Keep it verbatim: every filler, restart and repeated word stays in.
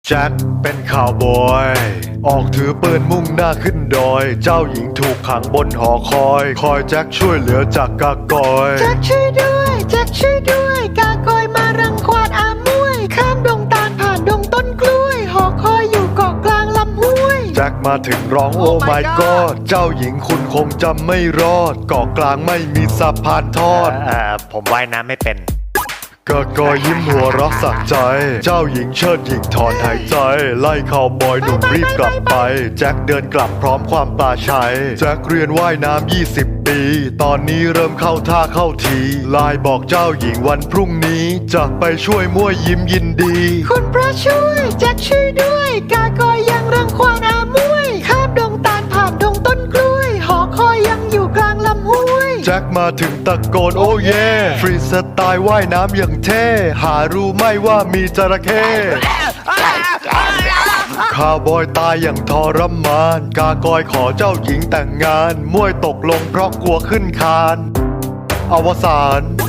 แจ็คเป็นข่าวบอยออกถือปืนมุ่งหน้าขึ้นดอยเจ้าหญิงถูกขังบนหอคอยคอยแจ็คช่วยเหลือจากกากอยแจ็คช่วยด้วยแจ็คช่วยด้วยกากอยมารังควานอามวยข้ามดงตาลผ่านดงต้นกล้วยหอคอยอยู่เกาะกลางลำห้วยแจ็คมาถึงร้องโอ้ my god เจ้าหญิงคุณคงจำไม่รอดเกาะกลางไม่มีสะพานทอดเอ่อผมว่ายน้ำไม่เป็นกากอยยิ้มหัวเรักสักใจเจ้าหญิงเชิดหญิงถอนหายใจไล่ข่าวบอยหนุ่มรีบกลับไปแจ็คเดินกลับพร้อมความปลาชัยแจ็คเรียนว่ายน้ำยี่สิบปีตอนนี้เริ่มเข้าท่าเข้าทีไลน์บอกเจ้าหญิงวันพรุ่งนี้จะไปช่วยมั่วยิ้มยินดีคุณพระช่วยแจ็คช่วยด้วยกากอยยังรังควานอามวยข้ามดงตาลผ่านดงต้นกล้วยหอคอยยังอยู่กลางลำห้วยแจ็คมาถึงตะโกนโอ้เย่ฟรีสไตล์ว่ายน้ำอย่างเท่หารู้ไหมว่ามีจระเข้ข้าวบอยตายอย่างทรมานกากอยขอเจ้าหญิงแต่งงานมวยตกลงเพราะกลัวขึ้นคานอวสาน